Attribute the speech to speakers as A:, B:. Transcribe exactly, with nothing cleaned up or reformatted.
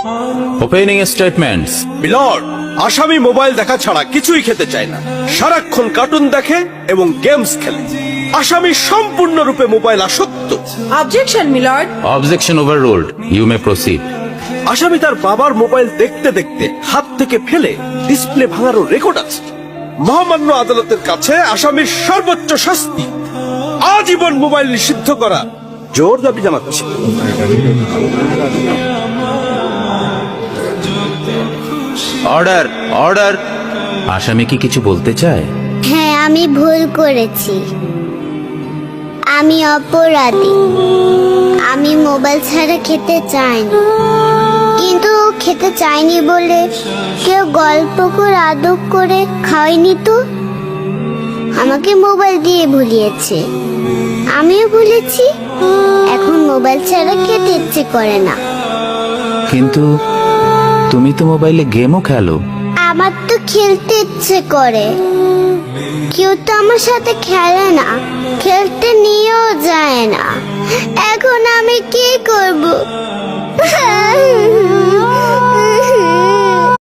A: Opening statements.
B: Milord, আসামি mobile দেখা ছাড়া কিছুই খেতে চায় না, সারাক্ষণ কার্টুন দেখে এবং গেমস খেলে। আসামি সম্পূর্ণরূপে মোবাইল আসক্ত।
C: Objection milord.
A: Objection overruled, you may proceed.
B: আসামি তার বাবার মোবাইল দেখতে দেখতে হাত থেকে ফেলে ডিসপ্লে ভাঙারও রেকর্ড আছে। মহামান্য আদালতের কাছে আসামির সর্বোচ্চ শাস্তি আজীবন মোবাইল নিষিদ্ধ করা জোর দাবি জানাচ্ছি।
A: Order, order. আসামি কি কিছু বলতে চায়?
D: হ্যাঁ, আমি ভুল করেছি, আমি অপরাধী। আমি মোবাইল ছাড়া খেতে চাইনি, কিন্তু খেতে চাইনি বলে কেউ গল্প করে আদর করে খাওয়াইনি তো, আমাকে মোবাইল দিয়ে ভুলিয়েছে, আমিও ভুলেছি। এখন মোবাইল ছাড়া খেতে ইচ্ছে করে না।
A: কিন্তু তুমি তো মোবাইলে গেমও খেলো।
D: আমার তো খেলতে ইচ্ছে করে, কেউ তো আমার সাথে খেলে না, খেলতে নিয়েও যায় না। এখন আমি কি করব?